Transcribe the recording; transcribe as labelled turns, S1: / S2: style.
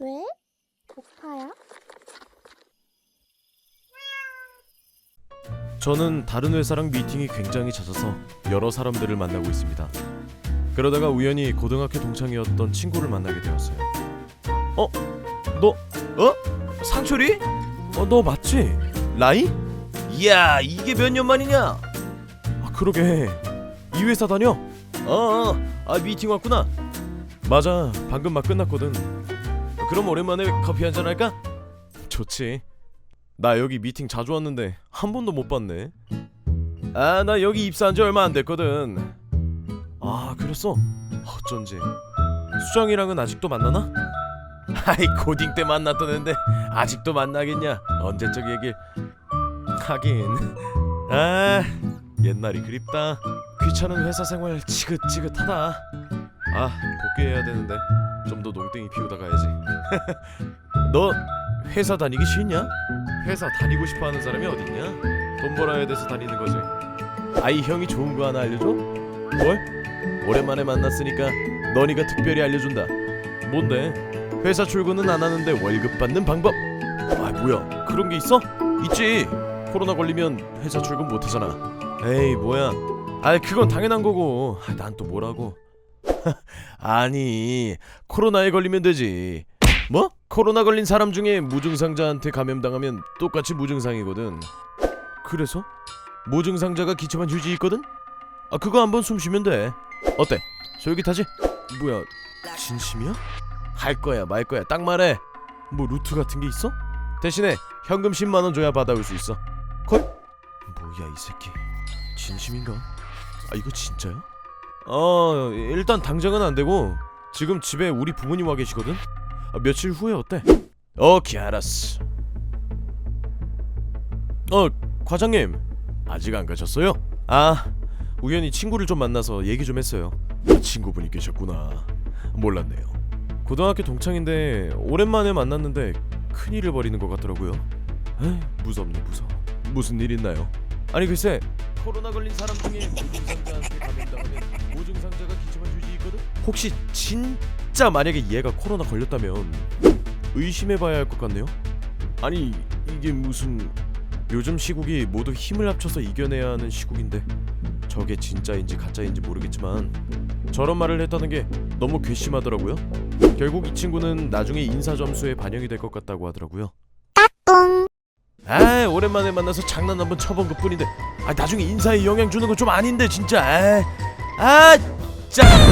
S1: 왜? 고파요?
S2: 저는 다른 회사랑 미팅이 굉장히 잦아서 여러 사람들을 만나고 있습니다. 그러다가 우연히 고등학교 동창이었던 친구를 만나게 되었어요. 너 상철이? 너 맞지? 라이?
S3: 이야, 이게 몇 년 만이냐?
S2: 아, 그러게. 이 회사 다녀?
S3: 미팅 왔구나.
S2: 맞아, 방금 막 끝났거든.
S3: 그럼 오랜만에 커피 한잔 할까?
S2: 좋지. 나 여기 미팅 자주 왔는데 한 번도 못 봤네.
S3: 나 여기 입사한 지 얼마 안 됐거든.
S2: 아, 그랬어? 어쩐지. 수정이랑은 아직도 만나나?
S3: 아이, 고딩 때 만났던 앤데 아직도 만나겠냐? 언제적 얘길.
S2: 하긴. 옛날이 그립다. 귀찮은 회사 생활 지긋지긋하다. 복귀해야 되는데 좀 더 농땡이 피우다 가야지. 너 회사 다니기 싫냐? 회사 다니고 싶어하는 사람이 어딨냐? 돈 벌어야 돼서 다니는 거지.
S3: 아이, 형이 좋은 거 하나 알려줘?
S2: 뭘?
S3: 오랜만에 만났으니까 너니가 특별히 알려준다.
S2: 뭔데?
S3: 회사 출근은 안 하는데 월급 받는 방법.
S2: 뭐야, 그런 게 있어?
S3: 있지. 코로나 걸리면 회사 출근 못 하잖아.
S2: 에이, 뭐야. 그건 당연한 거고. 난 또 뭐라고.
S3: 아니, 코로나에 걸리면 되지.
S2: 뭐?
S3: 코로나 걸린 사람 중에 무증상자한테 감염당하면 똑같이 무증상이거든.
S2: 그래서?
S3: 무증상자가 기초만 휴지 있거든? 그거 한번 숨 쉬면 돼. 어때? 솔깃하지?
S2: 뭐야, 진심이야?
S3: 할 거야 말 거야, 딱 말해.
S2: 뭐 루트 같은 게 있어?
S3: 대신에 현금 10만 원 줘야 받아올 수 있어.
S2: 뭐야 이 새끼, 진심인가? 이거 진짜야?
S3: 일단 당장은 안 되고 지금 집에 우리 부모님 와 계시거든?
S2: 며칠 후에 어때?
S3: 오케이, 알았어.
S2: 과장님,
S3: 아직 안 가셨어요?
S2: 우연히 친구를 좀 만나서 얘기 좀 했어요.
S3: 친구분이 계셨구나. 몰랐네요.
S2: 고등학교 동창인데 오랜만에 만났는데 큰일을 벌이는 것 같더라고요. 무섭네, 무서워.
S3: 무슨 일 있나요?
S2: 아니 글쎄,
S3: 코로나 걸린 사람 중에 무증상자한테 감염당하면 무증상자가 기초만 휴지 있거든?
S2: 혹시 진짜 만약에 얘가 코로나 걸렸다면 의심해봐야 할 것 같네요.
S3: 아니, 이게 무슨...
S2: 요즘 시국이 모두 힘을 합쳐서 이겨내야 하는 시국인데 저게 진짜인지 가짜인지 모르겠지만 저런 말을 했다는 게 너무 괘씸하더라고요. 결국 이 친구는 나중에 인사 점수에 반영이 될 것 같다고 하더라고요.
S3: 오랜만에 만나서 장난 한번 쳐본 것 뿐인데 나중에 인사에 영향 주는 건 좀 아닌데 진짜. 짜